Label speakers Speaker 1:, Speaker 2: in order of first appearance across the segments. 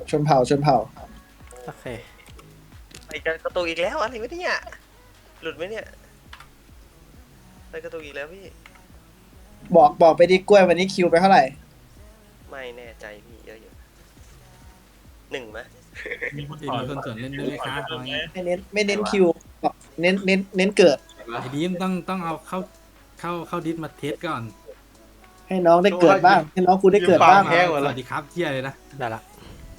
Speaker 1: ชนเผ่าชนเผ่า
Speaker 2: โอเค
Speaker 3: ไอ้กระตุกอีกแล้วอะไรวะเนี่ยหลุดไหมเนี่ยไอ้กระตุกอีกแล้วพี่
Speaker 1: บอกไปดิกล้วยวันนี้คิวไปเท่าไหร่
Speaker 3: ไม่แน่ใจพี่เยอะอยู่หนึ่งไหม
Speaker 4: มีคน
Speaker 5: มี
Speaker 4: ถอน
Speaker 5: คนสวนเล่นด้วยครับเอาไง
Speaker 1: ไม่เน้นคิวบอกเน้นเกิด
Speaker 5: ไอ้ดีมต้องเอาเข้าดิสมาเทสก่อน
Speaker 1: ให้น้องได้เกิดบ้าง ให้น้องกูได้เกิดบ้าง
Speaker 5: สวัสดีครับเที่ยเลยนะ
Speaker 2: ได้ละ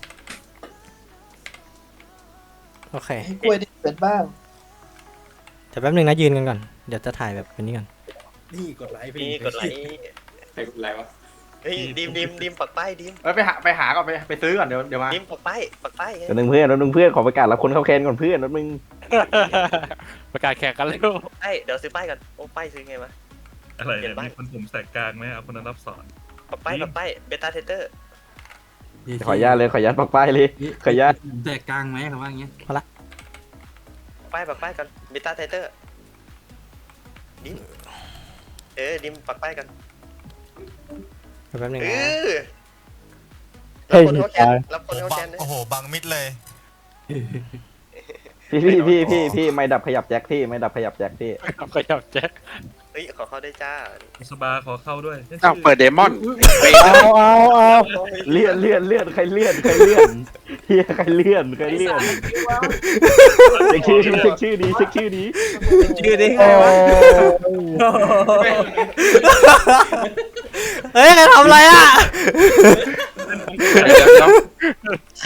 Speaker 2: โอเค
Speaker 1: ให้กล้วยได้เกิดบ้าง
Speaker 2: เดี๋ยวแป๊บนึงนะยืนกันก่อนเดี๋ยวจะถ่ายแบบนี้ก่อน
Speaker 5: นี่กดไลค์ไป
Speaker 3: นี่กดไลค์
Speaker 6: อะไรวะ
Speaker 3: เฮ้ยดิมปักป้ายดิม
Speaker 6: ไปหาก่อนไปซื้อก่อนเดี๋ยวมา
Speaker 3: ดิมปักป้าย
Speaker 7: แป๊บนึงเพื่อนขอประกาศรับคนเข้าแคนก่อนเพื่อนแป๊บนึง
Speaker 8: ประกาศแข่งกันเร็ว
Speaker 3: เดี๋ยวซื้อป้ายกันโอ้ป้ายซื้อไงวะ
Speaker 4: อะไร
Speaker 3: เห็
Speaker 4: เนี่ย
Speaker 3: นปะ
Speaker 4: มีคนผมแสกกลางไหมเอาคนนั้นรับสอน
Speaker 3: ปักป้ายเบต้าเทสเตอร์
Speaker 7: ขออนุญาตเลยขออนุญาตปักป้ายเลยขออนุญาต
Speaker 5: แตกกลางไหมครับว่าอย่างเงี้ย
Speaker 3: ปักป้ายกันเบต้าเทสเตอร์ดิมดิมปักป้ายกัน
Speaker 2: แป๊บนึง
Speaker 3: เอ
Speaker 2: นะ
Speaker 3: อรับคนเข้าแคนรับคนเข้าแคนนะ
Speaker 9: โอ้โหบังมิดเลย
Speaker 7: พี่ไม่ดับขยับแจ็คพี่ไม่ดับขยับแจ็คพี่
Speaker 8: ขยับแจ็ค
Speaker 3: เฮ้ยขอเข้าได้จ้า
Speaker 4: สบาขอเข้าด้วย
Speaker 8: อ้าวเปิดเดมอน
Speaker 7: เลื่อนใครเลื่อนเฮียใครเลื่อนเช็คชื่อดี
Speaker 2: ชื่อดิไงวะเฮ้ยใครทำอะไรอ่ะ